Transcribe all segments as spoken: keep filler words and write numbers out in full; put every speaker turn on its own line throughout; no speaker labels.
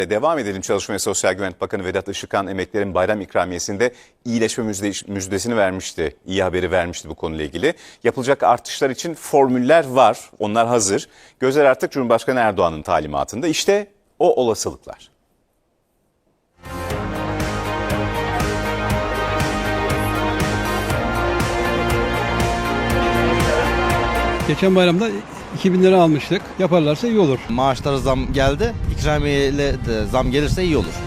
Devam edelim. Çalışma ve Sosyal Güvenlik Bakanı Vedat Işıkhan emeklilerin bayram ikramiyesinde iyileşme müjde, müjdesini vermişti. İyi haberi vermişti bu konuyla ilgili. Yapılacak artışlar için formüller var. Onlar hazır. Gözler artık Cumhurbaşkanı Erdoğan'ın talimatında. İşte o olasılıklar.
Geçen bayramda iki bin lira almıştık. Yaparlarsa iyi olur.
Maaşlara zam geldi. İkramiyeyle de zam gelirse iyi olur.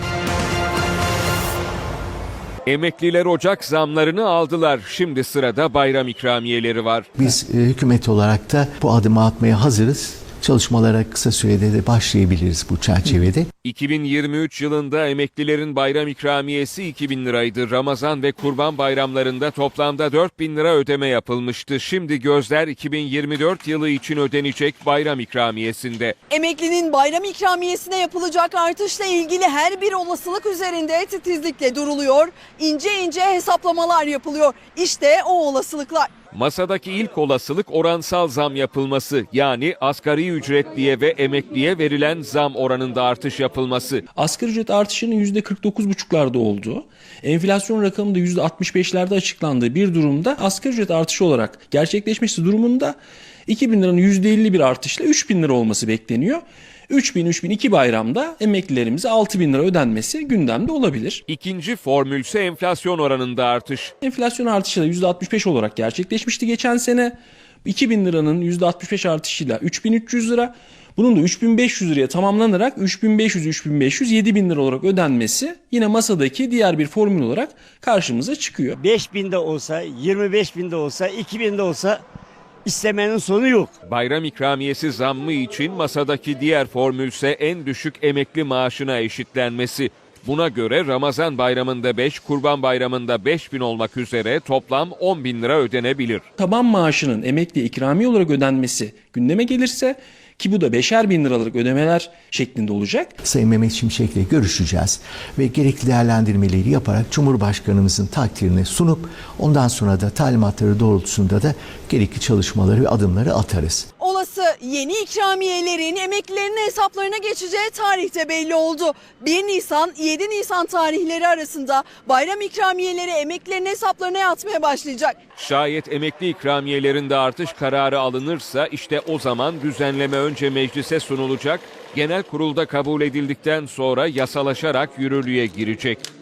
Emekliler Ocak zamlarını aldılar. Şimdi sırada bayram ikramiyeleri var.
Biz e, hükümet olarak da bu adımı atmaya hazırız. Çalışmalara kısa sürede de başlayabiliriz bu çerçevede.
iki bin yirmi üç yılında emeklilerin bayram ikramiyesi iki bin liraydı. Ramazan ve Kurban bayramlarında toplamda dört bin lira ödeme yapılmıştı. Şimdi gözler iki bin yirmi dört yılı için ödenecek bayram ikramiyesinde.
Emeklinin bayram ikramiyesine yapılacak artışla ilgili her bir olasılık üzerinde titizlikle duruluyor. İnce ince hesaplamalar yapılıyor. İşte o olasılıklar.
Masadaki ilk olasılık oransal zam yapılması, yani asgari ücretliye ve emekliye verilen zam oranında artış yapılması.
Asgari ücret artışının yüzde kırk dokuz buçuklarda olduğu, enflasyon rakamı da yüzde altmış beşlerde açıklandığı bir durumda asgari ücret artışı olarak gerçekleşmesi durumunda iki bin liranın yüzde elli bir artışla üç bin lira olması bekleniyor. üç bin üç bin iki bayramda emeklilerimize altı bin lira ödenmesi gündemde olabilir.
İkinci formülse enflasyon oranında artış.
Enflasyon artışı da yüzde altmış beş olarak gerçekleşmişti geçen sene. iki bin liranın yüzde altmış beş artışıyla üç bin üç yüz lira. Bunun da üç bin beş yüz liraya tamamlanarak üç bin beş yüz üç bin beş yüz yedi bin lira olarak ödenmesi yine masadaki diğer bir formül olarak karşımıza çıkıyor.
beş bin de olsa, yirmi beş bin de olsa, iki bin de olsa İstemenin sonu yok.
Bayram ikramiyesi zammı için masadaki diğer formülse en düşük emekli maaşına eşitlenmesi. Buna göre Ramazan bayramında beş, Kurban bayramında beş bin olmak üzere toplam on bin lira ödenebilir.
Taban maaşının emekli ikramiye olarak ödenmesi gündeme gelirse, ki bu da beşer bin liralık ödemeler şeklinde olacak.
Sayın Mehmet Şimşek'le görüşeceğiz ve gerekli değerlendirmeleri yaparak Cumhurbaşkanımızın takdirine sunup ondan sonra da talimatları doğrultusunda da gerekli çalışmaları ve adımları atarız.
Olası yeni ikramiyelerin emeklilerin hesaplarına geçeceği tarih de belli oldu. bir Nisan yedi Nisan tarihleri arasında bayram ikramiyeleri emeklilerin hesaplarına yatmaya başlayacak.
Şayet emekli ikramiyelerinde artış kararı alınırsa işte o zaman düzenleme önce meclise sunulacak, genel kurulda kabul edildikten sonra yasalaşarak yürürlüğe girecek.